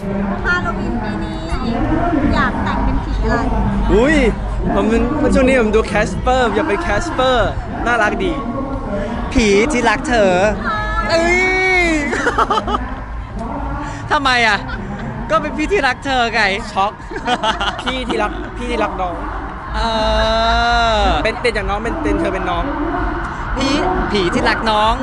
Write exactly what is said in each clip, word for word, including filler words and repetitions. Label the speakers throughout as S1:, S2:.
S1: ฮาโลวีนปีนี้อยากแต่งเป็นผีอะไร
S2: อุ้ยผมเป็นช่วงนี้ผมดูแคสเปอร์อยากเป็นแคสเปอร์น่ารักดี
S3: ผีที่รักเธอเอ้ย ทำไมอ่ะ ก็เป็นพี่ที่รักเธอไง
S2: ช็อก พี่ที่รักพี่ที่รักน้อง
S3: เออ
S2: เป็นเป็นอย่างน้องเป็นเป็นเธอเป็นน้อง
S3: พี่ผีที่รักน้อง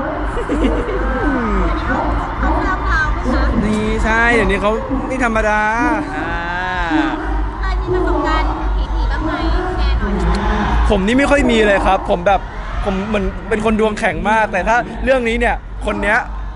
S1: เขาพราวพราวไหมคะ
S2: นี่ใช่เดี๋ยวนี้เขานี่ธรรมดา
S3: อ่า
S1: เคยมีประสบการณ์ผีๆบ้างไหมแชร์หน่อย
S2: ผมนี่ไม่ค่อยมีเลยครับ ผมแบบผมเหมือนเป็นคนดวงแข็งมาก แต่ถ้าเรื่องนี้เนี่ยคนเนี้ย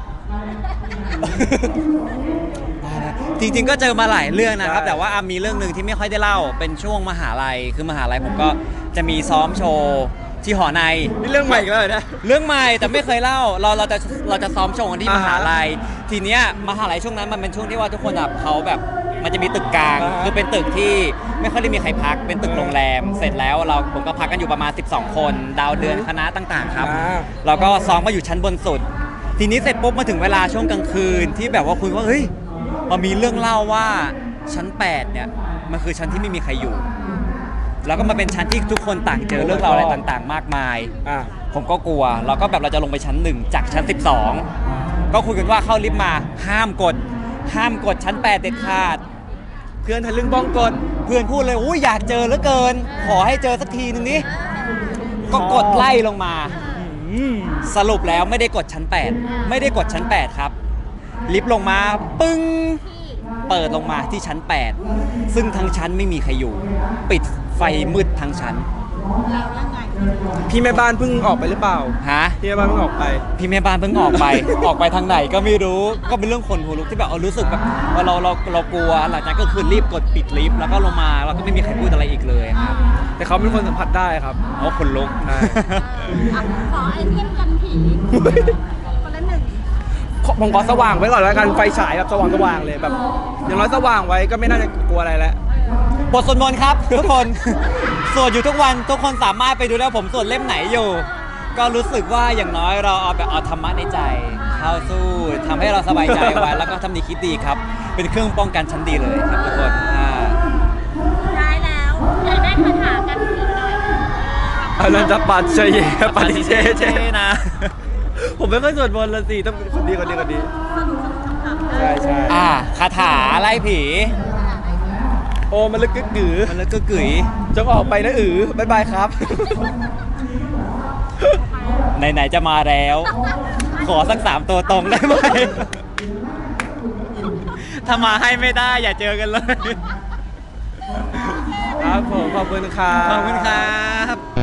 S3: จริงๆก็เจอมาหลายเรื่องนะครับ
S2: ใช่
S3: แต่ว่าอ่ะมีเรื่องหนึ่งที่ไม่ค่อยได้เล่าเป็นช่วงมหาลัยคือมหาลัยผมก็จะมีซ้อมโชว์ที่หอใน
S2: นี่เรื่องใหม่อีกแล้วเหรอเนี่ย
S3: เรื่องใหม่แต่ไม่เคยเล่าเราเราจะเราจะซ้อมโชว์กันที่
S2: อ่าม ฮะ
S3: หาลัยทีเนี้ยมหาลัยช่วงนั้นมันเป็นช่วงที่ว่าทุกคนแบบเขาแบบมันจะมีตึกกลาง
S2: อ่าฮะ
S3: คือเป็นตึกที่ไม่ค่อยได้มีใครพักเป็นตึกโรงแรม เสร็จแล้วเราผมก็พักกันอยู่ประมาณสิบสองคนดาวเดือนคณะต่างๆครับ
S2: อ่า
S3: เราก็ซ้อมมาอยู่ชั้นบนสุด ทีนี้เสร็จปุ๊บมาถึงเวลาช่วงกลางคืนที่แบบว่าคุยว่าเฮ้ยมันมีเรื่องเล่าว่าชั้นแปดเนี่ยมันคือชั้นที่ไม่มีใครอยู่ แล้วก็มาเป็นชั้นที่ทุกคนต่างเจอเรื่องราวอะไรต่างๆ มากมาย
S2: อ่ะ
S3: ผมก็กลัวเราก็แบบเราจะลงไปชั้นหนึ่งจากชั้นสิบสองก็คุยกันว่าเข้าลิฟต์มาห้ามกด ห้ามกดชั้นแปดเด็ดขาด
S2: เพื่อนทะลึ่งบ้องกล
S3: เพื่อนพูดเลยอุ้ยอยากเจอเหลือเกิน ขอให้เจอสักทีนึงนี้ก็กดไล่ลงมา
S2: อืม
S3: สรุปแล้วไม่ได้กดชั้นแปดไม่ได้กดชั้นแปดครับลิฟต์ลงมาปึ้ง
S1: ที่
S3: เปิดลงมาที่ชั้นแปดซึ่งทั้งชั้นไม่มีใครอยู่ ปิดไฟมืดทั้งชั้น
S1: แล้วยังไง
S2: พี่แม่บ้านเพิ่งออกไปหรือเปล่า
S3: ฮะ
S2: พี่แม่บ้านเพิ่งออกไป
S3: พี่แม่บ้านเพิ่งออกไป ออกไปทางไหนก็ไม่รู้ก็เป็นเรื่องขนหัวลุกที่แบบเอารู้สึกแบบว่าเราเราเรากลัวหลังจากนั้นก็คือรีบกดปิดลิฟต์แล้วก็ลงมาแล้วก็ไม่มีใครพูดอะไรอีกเลยครับ
S2: แต่เขาเป็นคนสัมผัสได้ครับ
S3: โอ้ขนลุก
S2: ใช่
S1: อ่ะขอไอเทมกันผีคนละหนึ่ง
S2: ผมขอสว่างไว้ก่อนแล้วกันไฟฉายแบบสว่างสว่างๆเลยแบบอย่างน้อยสว่างไว้ก็ไม่น่าจะกลัวอะไรแล้ว
S3: บทสวดมนต์ครับ ทุกคน สวดอยู่ทุกวันทุกคนสามารถไปดูได้ผมสวดเล่มไหนอยู่ ก็รู้สึกว่าอย่างน้อยเราเอาแบบเอาธรรมะในใจเข้าสู้ทำให้เราสบายใจไว้ แล้วก็ทำดีคิดดีครับ เป็นเครื่องป้องกันชั้นดีเลยครับทุกคนอ่า
S1: ท้ายแล้วอยากได้คาถากันผีหน่อย
S2: อนันตปัจเจเยปฏิเชเช
S3: นะ
S2: ผมไม่ค่อยสวดมนต์ละสิต้องเป็นคนดีคนดีคนดี
S1: สนุกสนุกขำๆ
S2: ใช่ใช่
S3: อ่าคาถาไล่ผี
S2: โอ้มันลึกกึกกือ
S3: มันเลยก็กึ๋ย
S2: จงออกไปนะอือบายบายครับ
S3: ไหนๆจะมาแล้ว ขอสักสามตัวตรงได้ไหม ถ้ามาให้ไม่ได้อย่าเจอกันเลย
S2: ครับผมขอบคุณครับ
S3: ขอบคุณครับ